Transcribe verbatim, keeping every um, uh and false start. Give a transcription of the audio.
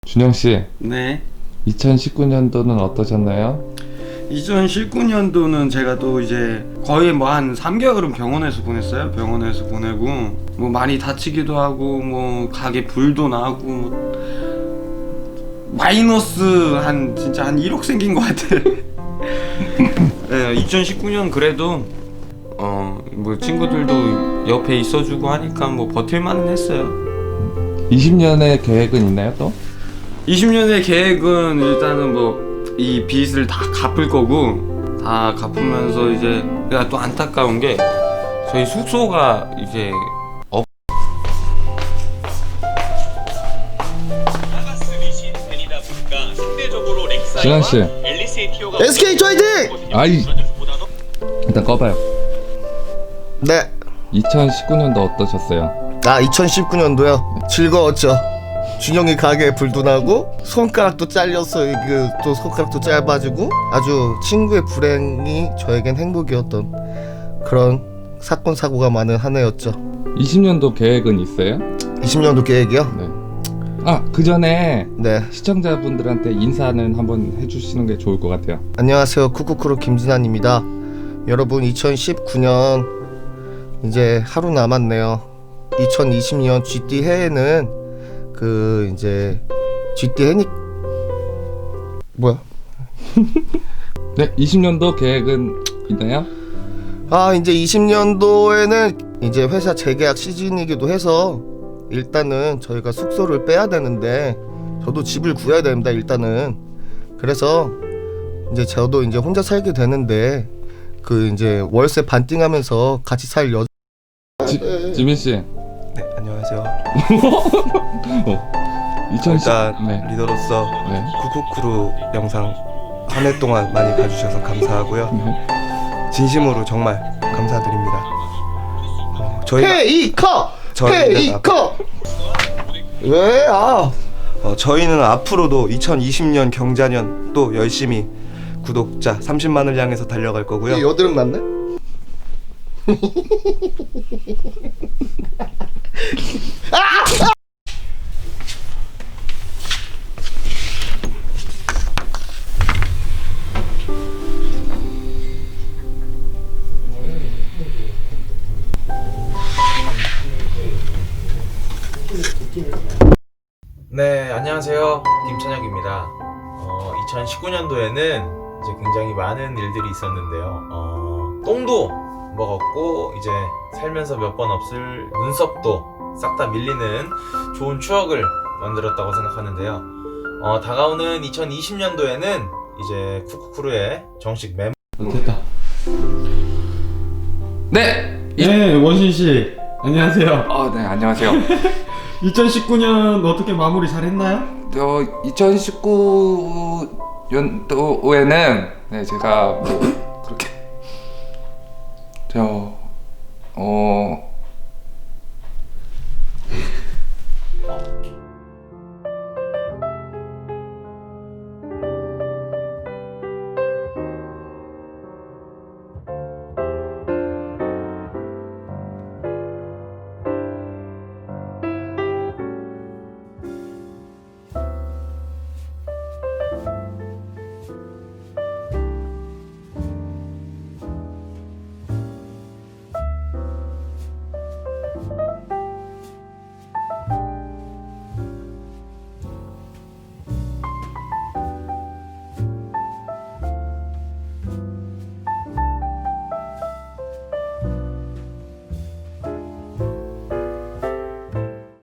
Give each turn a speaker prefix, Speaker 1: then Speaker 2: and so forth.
Speaker 1: 준영 씨,
Speaker 2: 네.
Speaker 1: 이천십구 년도는 어떠셨나요?
Speaker 2: 이천십구 년도는 제가 또 이제 거의 뭐 한 삼 개월은 병원에서 보냈어요. 병원에서 보내고 뭐 많이 다치기도 하고 뭐 가게 불도 나고 뭐 마이너스 한 진짜 한 일억 생긴 것 같아. 네, 이천십구 년 그래도 어 뭐 친구들도 옆에 있어주고 하니까 뭐 버틸만은 했어요.
Speaker 1: 이십 년의 계획은 있나요 또?
Speaker 2: 이십 년의 계획은 일단은 뭐 이 빚을 다 갚을 거고 다 갚으면서 이제 내가 또 안타까운 게 저희 숙소가 이제 없
Speaker 1: 준영 씨,
Speaker 3: 에스케이 화이팅!
Speaker 1: 아이 일단 꺼봐요.
Speaker 3: 네.
Speaker 1: 이천십구 년도 어떠셨어요?
Speaker 3: 아 이천십구 년도요. 즐거웠죠. 준영이 가게에 불도 나고 손가락도 잘렸어. 그 또 손가락도 짧아지고 아주 친구의 불행이 저에겐 행복이었던 그런 사건 사고가 많은 한 해였죠.
Speaker 1: 이십 년도 계획은 있어요?
Speaker 3: 이십 년도 계획이요?
Speaker 1: 네. 아, 그 전에
Speaker 3: 네.
Speaker 1: 시청자분들한테 인사는 한번 해주시는 게 좋을 것 같아요.
Speaker 3: 안녕하세요. 쿠쿠쿠루 김진환입니다. 여러분 이천십구 년 이제 하루 남았네요. 이천이십 년 쥐띠 해에는 그 이제 쥐띠 해니 뭐야?
Speaker 1: 네, 이십 년도 계획은 있나요?
Speaker 3: 아 이제 이십 년도에는 이제 회사 재계약 시즌이기도 해서 일단은 저희가 숙소를 빼야 되는데 저도 집을 구해야 됩니다. 일단은 그래서 이제 저도 이제 혼자 살게 되는데 그 이제 월세 반띵하면서 같이 살 여.
Speaker 1: 지, 지민 씨.
Speaker 4: 네, 안녕하세요.
Speaker 1: 어. 이천십
Speaker 4: 일단
Speaker 1: 네.
Speaker 4: 리더로서
Speaker 1: 네.
Speaker 4: 쿠쿠쿠루 영상 한 해 동안 많이 봐주셔서 감사하고요.
Speaker 1: 네.
Speaker 4: 진심으로 정말 감사드립니다. 어, 저희가
Speaker 3: 페이커!
Speaker 4: 저희는
Speaker 3: 페이커! 왜? 아
Speaker 4: 어, 저희는 앞으로도 이천이십 년 경자년 또 열심히 구독자 삼십만을 향해서 달려갈 거고요.
Speaker 3: 이게 여드름 났네?
Speaker 5: 네, 안녕하세요. 김찬혁입니다. 어, 이천십구 년도에는 이제 굉장히 많은 일들이 있었는데요. 어, 똥도 먹었고, 이제 살면서 몇 번 없을 눈썹도 싹 다 밀리는 좋은 추억을 만들었다고 생각하는데요. 어, 다가오는 이천이십 년도에는 이제 쿠쿠쿠루의 정식 멤버
Speaker 1: 됐다. 네. 이...
Speaker 6: 네, 원신 씨 안녕하세요.
Speaker 1: 아, 네, 안녕하세요.
Speaker 6: 이천십구 년 어떻게 마무리 잘했나요?
Speaker 1: 저 이천십구 년도에는 네, 제가 뭐 그렇게 저 어